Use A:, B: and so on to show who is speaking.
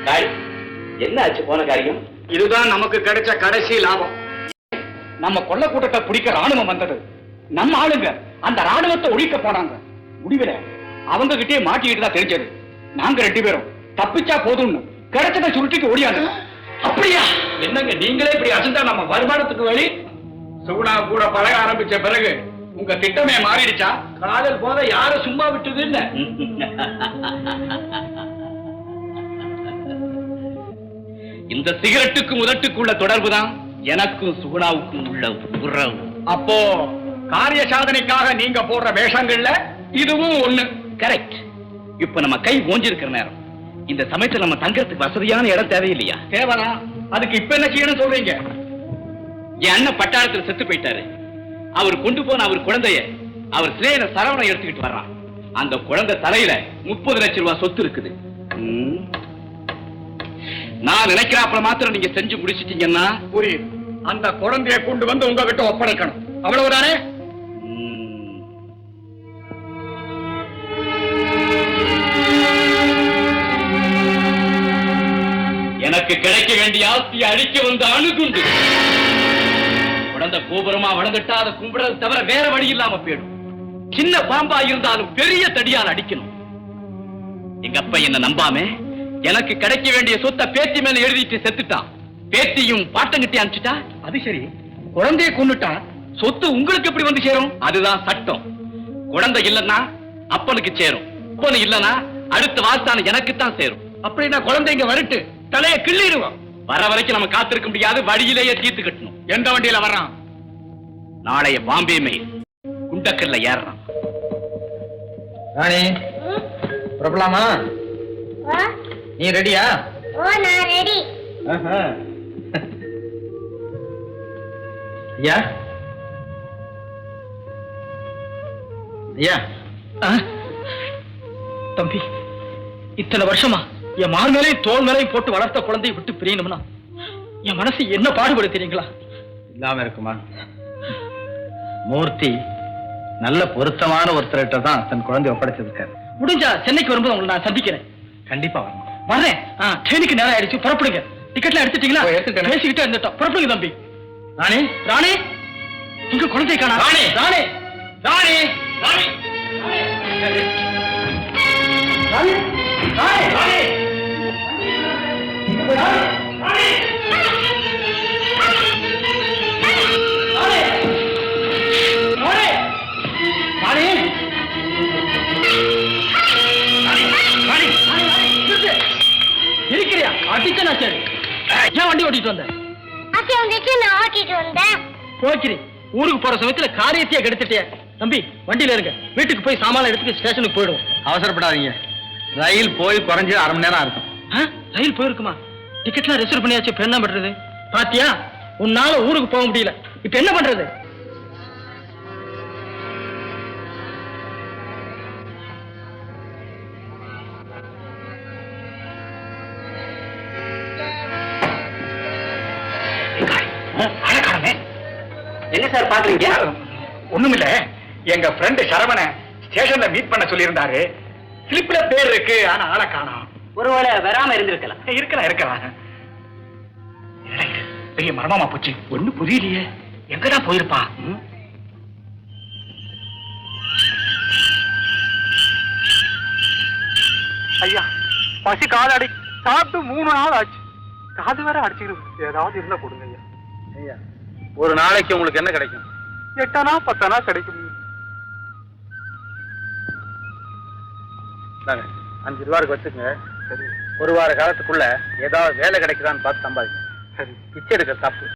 A: என்ன ஆச்சு போன காரியம்?
B: இதுதான் நமக்கு கிடைச்ச கடைசி லாபம்.
C: நம்ம கொள்ள கூட்டத்தை பிடிக்க ராணுவம் வந்தது. நம்ம ஆளுங்க அந்த ராணுவத்தை ஒழிக்க போனாங்க. முடிவில அவங்க கிட்டே மாட்டிக்கிட்டு தான் தெரிஞ்சது. நாங்க 2 பேரும் தப்பிச்சா போதும்னு கிடைச்சதை சுருட்டிக்கு ஓடியாங்க.
A: அப்படியா? என்னங்க நீங்களே இப்படி அசந்தா நம்ம வருமானத்துக்கு வழி?
B: சுகுணா கூட பழக ஆரம்பிச்ச பிறகு உங்க திட்டமே மாறிடுச்சா?
A: காதல் போத யார சும்மா விட்டது இல்ல.
C: இந்த சிகரெட்டுக்கும் உதட்டுக்குள்ள தொடர்புதான் எனக்கும் சுகுணாவுக்கும் உள்ள உறவு.
B: அப்போ காரிய சாதனைக்காக நீங்க போடுற வேஷங்கள்ல இதுவும் ஒண்ணு.
C: கரெக்ட். இப்ப நம்ம கை ஓஞ்சிருக்கிற நேரம். இந்த சமயத்துல நம்ம தங்கறதுக்கு வசதியான இடம் தேவையில்லையா?
B: தேவனா? அதுக்கு இப்ப என்ன செய்யணும் சொல்றீங்க?
C: என் அண்ணன் பட்டாளத்துல செத்து போயிட்டாரு. அவர் கொண்டு போன அவர் குழந்தைய அவர் சிலையில சரவணை எடுத்துக்கிட்டு வர்றான். அந்த குழந்தை தலையில 30 லட்சம் ரூபாய் சொத்து இருக்குது. நான் நினைக்கிறாப்புல மாத்திரம் நீங்க செஞ்சு முடிச்சிட்டீங்கன்னா
B: புரியுது. அந்த குழந்தையை கொண்டு வந்து உங்ககிட்ட ஒப்படைக்கணும், அவ்வளவுதானே?
C: எனக்கு கிடைக்க வேண்டிய ஆஸ்தியை அழிக்க வந்த அணுகுண்டு. குழந்தை கோபுரமா வளர்ந்துட்டா அதை கும்பிடுறது தவிர வேற வழி இல்லாம போயிடும். சின்ன பாம்பா இருந்தாலும் பெரிய தடியால் அடிக்கணும். எங்க அப்பா என்ன நம்பாம எனக்கு கிடைக்க வேண்டிய சொத்தை பேத்தி மேல எழுதிட்டு செத்துட்டான். பேத்தியும் பாட்டங்கிட்டே அனுப்பிச்சுட்டா.
B: அது சரி, குழந்தையை கொண்டுட்டா
C: சொத்து உங்களுக்கு எப்படி வந்து சேரும்? அதுதான் சட்டம். குழந்தை இல்லன்னா அப்பனுக்கு சேரும். அப்பனு இல்லனா அடுத்த வாஸ்தான எனக்குத்தான் சேரும்.
B: அப்படின்னா குழந்தைங்க வரட்டு தலையை கிள்ளிடுவோம்.
C: வர வரைக்கும் நம்ம காத்திருக்க முடியாது. வழியிலேயே தீர்த்து கட்டணும்.
B: எந்த வண்டியில வர்றான்?
C: நாளைய பாம்பே மெயில் குண்டக்கல்ல ஏறான்.
D: ராணி புறப்படலாமா? நீ ரெடியா?
E: ஓ நான் ரெடி.
D: ஐயா ஐயா.
C: தம்பி, இத்தனை வருஷமா என் மார் மேலையும் தோல் மேலையும் போட்டு வளர்த்த குழந்தையை விட்டு பிரியணும்னா என் மனசு என்ன பாடுபடு தெரியுங்களா?
D: இல்லாம இருக்குமா? மூர்த்தி நல்ல பொருத்தமான ஒருத்தர்கிட்ட தான் தன் குழந்தை ஒப்படைச்சிருக்காரு.
C: முடிஞ்சா சென்னைக்கு வரும்போது உங்களை நான் சந்திக்கிறேன்.
D: கண்டிப்பா வரணும்.
C: வர்றேன். ட்ரெயினுக்கு நேரம் ஆயிடுச்சு, புறப்படுங்க. டிக்கெட்லாம் எடுத்துட்டீங்களா?
D: எடுத்துட்டேன்.
C: பேசிக்கிட்டே இருந்துட்டோம். புறப்படுங்க தம்பி.
D: ராணி
C: ராணி, உங்க குழந்தை காணா.
D: ராணி ராணி ராணி ராணி
C: ராணி, ராணி, ராணி. இருக்கிறியா? அடிச்சனா சரி. ஏன் வண்டி ஓட்டிட்டு வந்த?
E: நான் ஓட்டிட்டு வந்தேன்.
C: போக்கிறேன். ஊருக்கு போற சமயத்துல காரியத்தையே கெடுத்துட்டே. தம்பி வண்டியில இருங்க. வீட்டுக்கு போய் சாமான எடுத்துட்டு ஸ்டேஷனுக்கு போயிடுவோம்.
D: அவசரப்படாதீங்க. ரயில் போய் குறைஞ்சு 1/2 மணி நேரம் இருக்கும்.
C: ரயில் போயிருக்குமா? டிக்கெட்லாம் ரிசர்வ் பண்ணியாச்சு. இப்ப என்ன பண்றது? பாத்தியா, உன்னால ஊருக்கு போக முடியல. இப்ப என்ன பண்றது?
A: என்ன சார் பாக்குறீங்க?
B: ஒண்ணுமில்ல, எங்க ஃப்ரெண்ட் சரவண ஸ்டேஷன்ல மீட் பண்ண சொல்லியிருந்தாரு. ஸ்லிப்ல பேர் இருக்கு, ஆனா ஆளை காணோம்.
A: ஒருவேளை வராம இருந்திருக்கலாம்.
B: இருக்கலாம். பெரிய மர்மமா போச்சு. ஒண்ணு புரியலையே. எங்கதான் போயிருப்பான்? ஐயா, பசி காது சாப்பிட்டு 3 நாள் ஆச்சு. காது வேற அடிச்சுக்கிட்டு ஏதாவது இருந்தா கொடுங்க ஐயா.
D: ஐயா, ஒரு நாளைக்கு உங்களுக்கு என்ன கிடைக்கும்?
B: 8 ஆனா 10 ஆனா கிடைக்கும்.
D: 5 ரூபாய்க்கு வச்சுக்கங்க. சரி, 1 வார காலத்துக்குள்ள ஏதாவது வேலை கிடைக்குதான்னு பார்த்து சம்பாதிங்க. சரி, பிச்சை எடுக்க தப்பு.